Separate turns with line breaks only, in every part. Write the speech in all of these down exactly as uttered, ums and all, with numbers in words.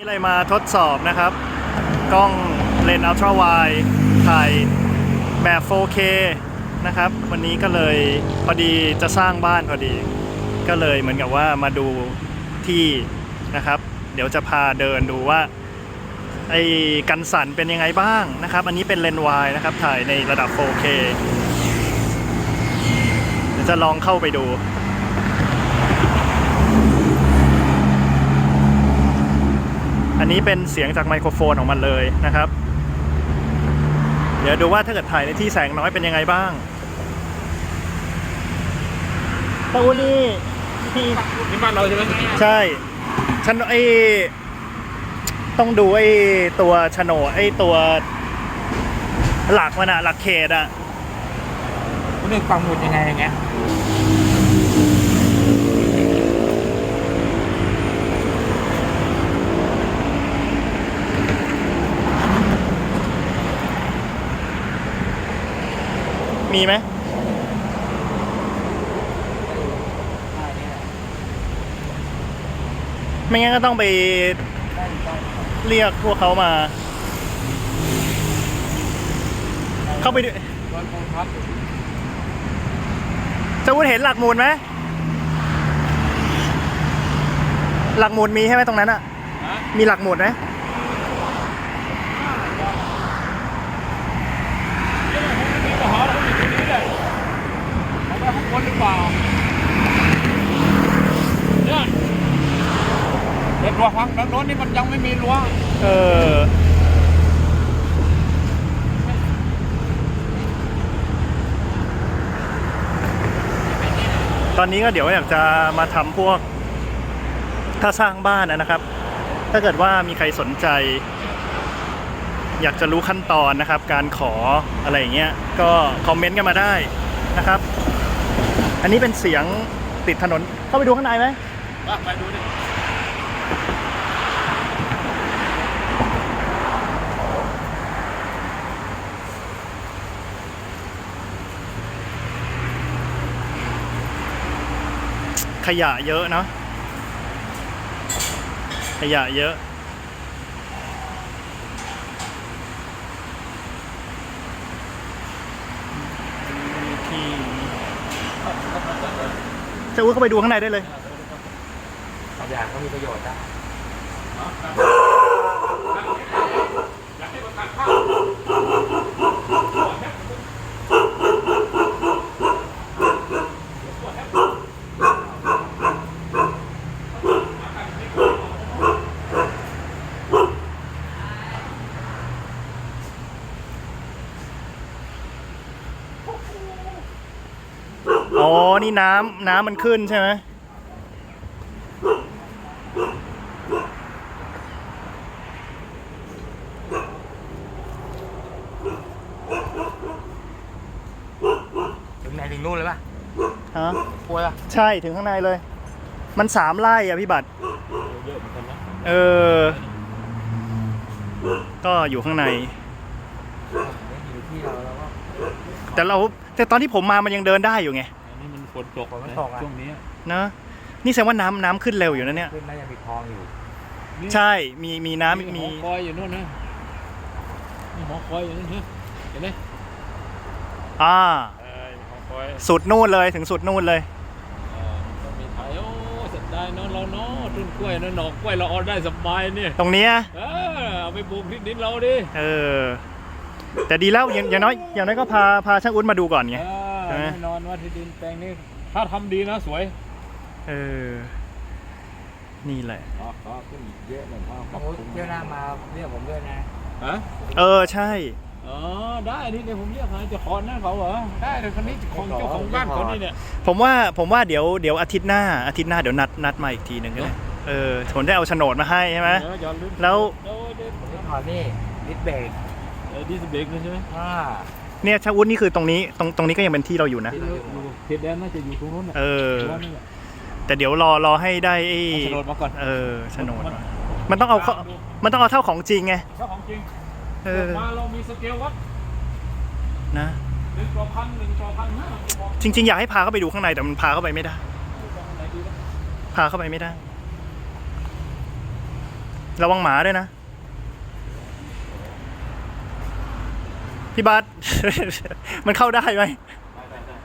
อะไรมาทดสอบนะครับกล้องเลนส์อัลตร้าไวด์ถ่ายแบบ โฟร์เค นะครับวันนี้ก็เลยพอดีจะสร้างบ้านพอดีก็เลยเหมือนกับว่ามาดูที่นะครับเดี๋ยวจะพาเดินดูว่าไอ้กันสั่นเป็นยังไงบ้างนะครับอันนี้เป็นเลนส์ไวด์นะครับถ่ายในระดับ โฟร์เค เดี๋ยวจะลองเข้าไปดูอันนี้เป็นเสียงจากไมโครโฟนของมันเลยนะครับเดี๋ยวดูว่าถ้าเกิดถ่ายในที่แสงน้อยเป็นยังไงบ้างตะวันนี้ที่
นี่บ้านเราใช่ไหม
ใช่ฉันไอต้องดูไอตัวโฉนดไอตัวหลักมันอะหลักเขตอะ
คุณนึกปังหมุดยังไงอย่างเงี้ย
มีไหมไม่งั้นก็ต้องไปเรียกพวกเขามาเข้าไปดูจะวุฒเห็นหลักหมุดไหมหลักหมุดมีใช่ไหมตรงนั้นอะมีหลักหมุดไหม
คนหรือเปล่าเนี่ยเด็กรั้วฟังด้านโน้นนี่มันยังไม่มีรั้ว
เออตอนนี้ก็เดี๋ยวอยากจะมาทำพวกถ้าสร้างบ้านนะครับถ้าเกิดว่ามีใครสนใจอยากจะรู้ขั้นตอนนะครับการขออะไรอย่างเงี้ยก็คอมเมนต์กันมาได้นะครับอันนี้เป็นเสียงติดถนนเข้าไปดูข้างในไหม
ไปดูดิ
ขยะเยอะเนาะขยะเยอะที่จะอุ้ยเข้าไปดูข้างในได้เลย
ขยะก็มีประโยชน์นะ
อ๋อนี่น้ำน้ำมันขึ้นใช่ไหม
ถึงไหนถึงนู่นเลยป่ะ
ฮะ
ป่วยป่ะ
ใช่ถึงข้างในเลยมันสามไร่อะพี่บัตร
เยอะเหมือนกันนะ
เออก็อยู่ข้างใน
อยู่ที่เราแล้วก็
แต่เราแต่ตอนที่ผมมามันยังเดินได้อยู่ไง
อันนี้มันฝนตกมันตกช่วงนี้
นะนี่แสดงว่าน้ำน้ำขึ้นเร็วอยู่นะเนี่ย
ขึ้นน่าจะมีคลองอยู่
ใช่มีมีน้ำมี
หอคอยอยู่นู่นนะหอคอยอยู่นู่นเห็นไหม
อ่า
หอคอย
สุดนู่นเลยถึงสุดนู่นเลย
ก็มีไทยโอ้สุดได้เนาะเราเนาะต้นกล้วยเนาะหน่อกล้วยเราออได้สบายเนี่ย
ตรงนี้
เออเอาไปปลูกที่ดินเราดิ
เออแต่ดีแล้วอย่างน้อยอย่างน้อยก็พาพาช่างอุ้นมาดูก่อนไง
แน่นอนว่าที่ดินแปลงนี้ถ้าทำดีนะสวย
เออนี่แหละ
อ๋อขึ้นเยอะเลยพ่อเที่ยวหน้ามาเรียกผมด้วยนะฮะ
เออใช่
อ๋อได้นี่เดี๋ยวผมเรียกให้เจ้าของนั่นเขาเหรอได้เลยคนนี้ของเจ้าของบ้านเขานี่เนี่ย
ผมว่าผมว่าเดี๋ยวเดี๋ยวอาทิตย์หน้าอาทิตย์หน้าเดี๋ยวนัดนัดมาอีกทีหนึ่งก็ได้เออผมได้เอาโฉนดมาให้ใช่ไหมแล้ว
ขอนี่ดิสเบรกเออดิสเบรกใช่ไหมอ่า
เนี่ยชาวุฒินี่คือตรงนี้ตรงตรงนี้ก็ยังเป็นที่เราอยู่นะ
เขตแดนน่าจะอยู่ตรงนู้น
เออแต่เดี๋ยวรอรอให้ได้ไอ้
โฉนดมาก่อน
เออโฉนดมันต้องเอามันต้องเอาเท่าของจริงไง
เท่าของจริง
เออ
มาเรามีสเกลวัด
นะ
หนึ่งต่อพันหนึ่งต่อพันห้า
จริงๆอยากให้พาเข้าไปดูข้างในแต่มันพาเข้าไปไม่ได้พาเข้าไปไม่ได้ระวังหมาด้วยนะ พี่บาส มันเข้าได้ไหม
ได้ได้ได้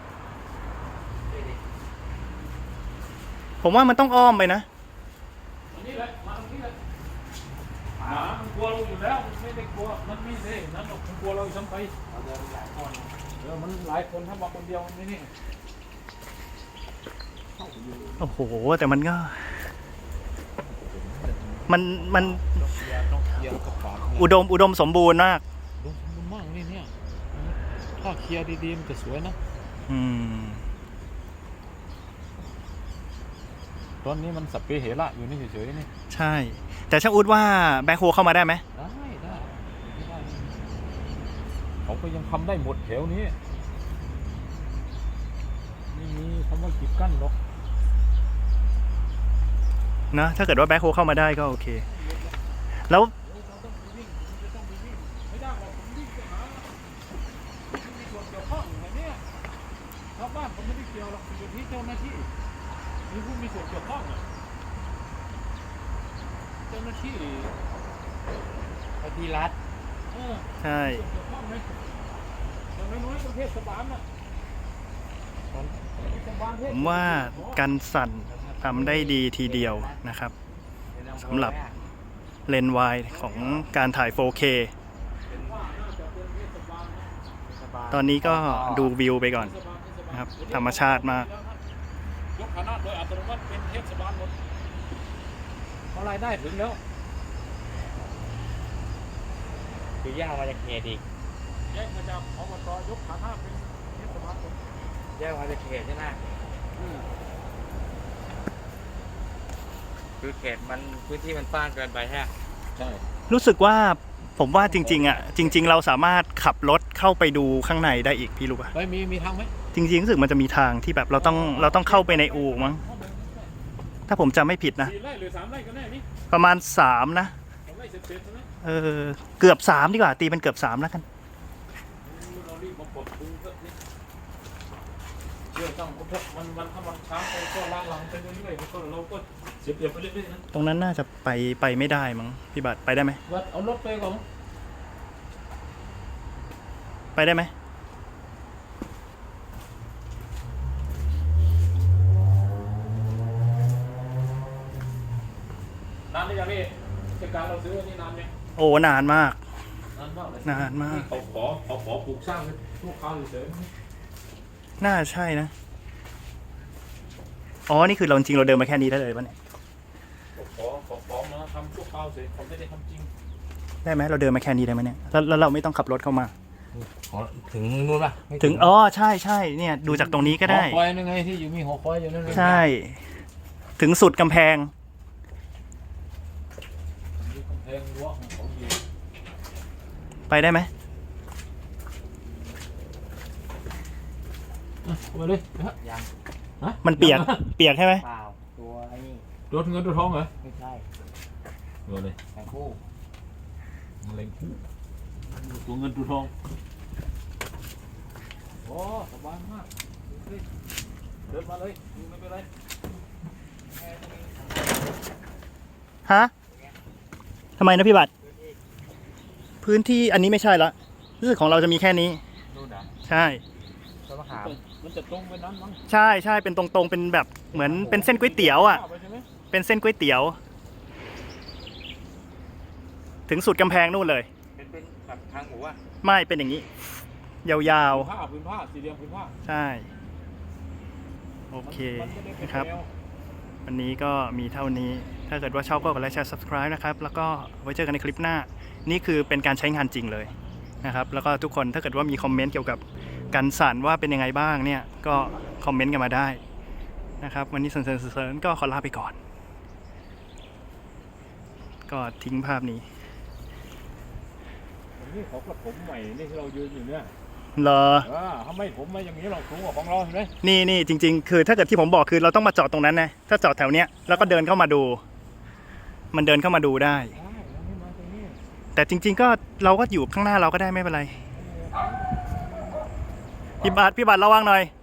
ผมว่ามันต้องอ้อมไปนะ
อันนี้แหละมาตรงนี้เลยหมามันกลัวเราอยู่แล้วมันไม่ได้กลัวมันไม่ได้นั่นหรอกมันกลัวเราซ้ำไปเราเดินหลายคนเออมันหลายคนถ้ามาคนเดียวมันไม่นี่
โอ้โห แต่มันก็ มันมัน
ต้องเคลียร์ต้องเคลียร์กระเป๋า
อุดมอุดมสมบูรณ์มาก
ดูมันมากนี่เนี่ยถ้าเคลียร์ดีๆมันจะสวยนะ
อืม
ตอนนี้มันสับเปเหระอยู่นี่เฉยๆนี่
ใช่ แต่ช่างอุดว่าแบ็คโฮเข้ามาได้ไหม
ได้ได้ไม่ได้เขาก็ยังทำได้หมดแถวนี้ไม่มีคำว่ากีดกั้นหรอก
นะ ถ้าเกิดว่าแบ็คโฮเข้ามาได้ก็โอเค แล้ว
เราต้องไปวิ่งจะต้องไปวิ่งไม่ได้หรอกผมวิ่งไปหาไม่มีส่วนเกี่ยวข้องอะไรเนี่ยชาวบ้านเขาไม่ได้เกี่ยวหรอกอยู่ที่เจ้าหน้าที่มีผู้มีส่วนเกี่ยวข้องอะเจ้าหน้าที่
ไอทีรัฐ
เออ
ใช่
ส่วนเกี่ยวข้องไหมอย่างน้อยๆประเทศบาลน่ะเทศบาลเทศ
ผมว่ากันสั่นทำได้ดีทีเดียวนะครับ สำหรับ เลนส์วายของการถ่าย โฟร์เค ตอนนี้ก็ดูวิวไปก่อนนะครับ ธรรมชาติมาก
ยกคณะโดยอัตโนมัติเป็นเทศบาลหมดเพราะรายได้ถึงแล้ว
คือย่างมาจากเขตอีก
แยกมาจากอบตยกฐานะเป็นเทศบาลหมด
ย่างมาจากเขตใช่ไหมคือเขตมันพื้นที่มันกว้างเกินไปใช่ไหม
ใช่
รู้สึกว่าผมว่าจริงๆอ่ะจริง ๆ เราสามารถขับรถเข้าไปดูข้างในได้อีกพี่รู้ป่ะ
ไปมีมีทางไหม
จริงๆรู้สึกมันจะมีทางที่แบบเราต้องเราต้องเข้าไปในอู่มั้งถ้าผมจำไม่ผิดนะ
สี่ไร่หรือสามไร่กันแน่นี่
ประมาณสามนะ
สามไร่เสร็จๆใช่ไหม
เออเกือบสามดีกว่าตีเป็นเกือบสามแล้วกัน
เรารีบมาปลดปูเถอะนี่เชื่อต้องพุทธมันมันถ้ามันช้าไปก็ล้างหลังไปเรื่อยๆมันก็เราก็เสียเปรียบไปเรื่อยๆนะ
ตรงนั้นน่าจะไปไปไม่ได้มั้งพี่บัตรไปได้ไหม
วัดเอารถไปก่อน
ไปได้ไหม
นานหรือยังพี่กิจการเราซื้อนี่นานยัง
โอ้นานมาก
นานมากเลย
นานมาก
เขาขอเขาขอปลูกสร้างให้ลูกค้าเฉย
น่าใช่นะอ๋อนี่คือเราจริงๆเราเดินมาแค่นี้ได้เลยป่ะเนี่ย
ๆเขาขอขอขอมาทำชั่วคราวเฉยเขาไม่ได้ทำจริง
ได้ไหมเราเดินมาแค่นี้ได้ไหมเนี่ยแล้วแล้วเราไม่ต้องขับรถเข้ามา
อ๋อถึงนู่นป่ะไม่
ถึงอ๋อใช่ใช่เนี่ยดูจากตรงนี้ก็ได้
หอคอยนั่นไงที่อยู่มีหอคอยอยู่นั่นไง
ใช่ ถึงสุดกำแพง
มีกำแพงรั้วของเขาอยู่
ไปได้ไหม
อ่ะเอาไปเลยนะฮะ
ยัง
ฮะ
มันเปียกเปียกใช่ไหม
เปล่าตัวไอ้นี่
รถเงินรถทองเหรอ
ไม่ใช่
เออเลย
แข่งคู่
มะเร็งคู่ตัวเงินตัวทองโอ้สบายมากดูสิเดินมาเลยดูไม่เป็นไร
ฮะทำไมนะพี่บัตรพื้นที่อันนี้ไม่ใช่ละรู้สึกของเราจะมีแค่นี้
นู่นนะ
ใช่
ต้นมะขาม
มันจะตรงไปนั้นมั้ง
ใช่ใช่เป็นตรงๆเป็นแบบเหมือนเป็นเส้นก๋วยเตี๋ยวอ่ะ
ไปใช่ไหม
เป็นเส้นก๋วยเตี๋ยว ถึงสุดกำแพงนู่นเลย
เป็นเป็นแบบทางหมูอ่ะ
ไม่เป็นอย่างนี้ ยาว
ผ้าพื้นผ้าสี่เหลี่ยมพื้นผ้า
ๆ ใช่ โอเค
มันจะได้เป็น
นะครับ
แนว
วันนี้ก็มีเท่านี้ ถ้าเกิดว่าชอบก็กดไลค์แชร์ subscribe นะครับ แล้วก็ไว้เจอกันในคลิปหน้า นี่คือเป็นการใช้งานจริงเลยนะครับ แล้วก็ทุกคนถ้าเกิดว่ามีคอมเมนต์เกี่ยวกับการสั่นว่าเป็นยังไงบ้างเนี่ย ก็คอมเมนต์กันมาได้นะครับ วันนี้เซนๆๆก็ขอลาไปก่อน ก็ทิ้งภาพนี้
นี่เขาก็ผมใหม่นี่ที่เรายืนอยู่เนี่ย
เหรอ
เออทำไมผมไม่อย่างนี้หรอกสูงกว่าของเราเห็นไหม
นี่นี่จริงๆ คือถ้าเกิดที่ผมบอกคือเราต้องมาจอดตรงนั้นนะ ถ้าจอดแถวเนี้ยแล้วก็เดินเข้ามาดู มันเดินเข้ามาดูได้
ใช่แล้วไม่มาตรงนี้
แต่จริง ๆ ก็เราก็อยู่ข้างหน้าเราก็ได้ไม่เป็นไร พี่บาทพี่บาทระวังหน่อย